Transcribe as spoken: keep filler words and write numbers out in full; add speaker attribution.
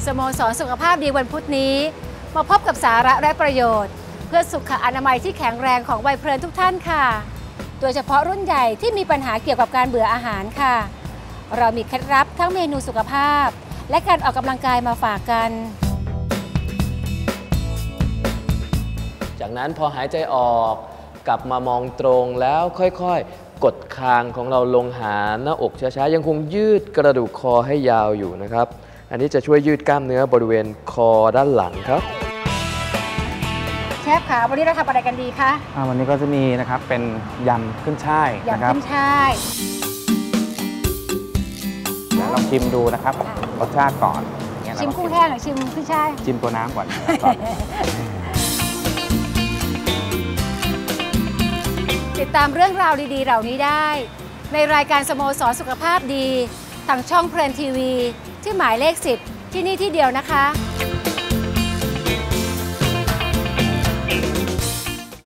Speaker 1: สโมสรสุขภาพดีวันพุธนี้มาพบกับสาระและประโยชน์เพื่อสุขอนามัยที่แข็งแรงของวัยเพลินทุกท่านค่ะโดยเฉพาะรุ่นใหญ่ที่มีปัญหาเกี่ยวกับการเบื่ออาหารค่ะเรามีเคล็ดลับทั้งเมนูสุขภาพและการออกกำลังกายมาฝากกัน
Speaker 2: จากนั้นพอหายใจออกกลับมามองตรงแล้วค่อยๆกดคางของเราลงหาหน้าอกช้าๆยังคงยืดกระดูกคอให้ยาวอยู่นะครับอันนี้จะช่วยยืดกล้ามเนื้อบริเวณคอด้านหลังครับ
Speaker 1: เชฟคะวันนี้เราทำอะไรกันดีคะ
Speaker 3: วันนี้ก็จะมีนะครับเป็นยำขึ้นช่าย
Speaker 1: ยำขึ้นช่าย
Speaker 3: เดี๋ยวลองชิมดูนะครับรสชาติก่อน
Speaker 1: ชิมกุ้งแห้งหรือชิมขึ้นช่าย
Speaker 3: ชิมตัวน้ำก่อน
Speaker 1: ติดตามเรื่องราวดีๆเหล่านี้ได้ในรายการสโมสรสุขภาพดีทางช่องเพลินทีวีที่หมายเลขสิบที่นี่ที่เดียวนะคะ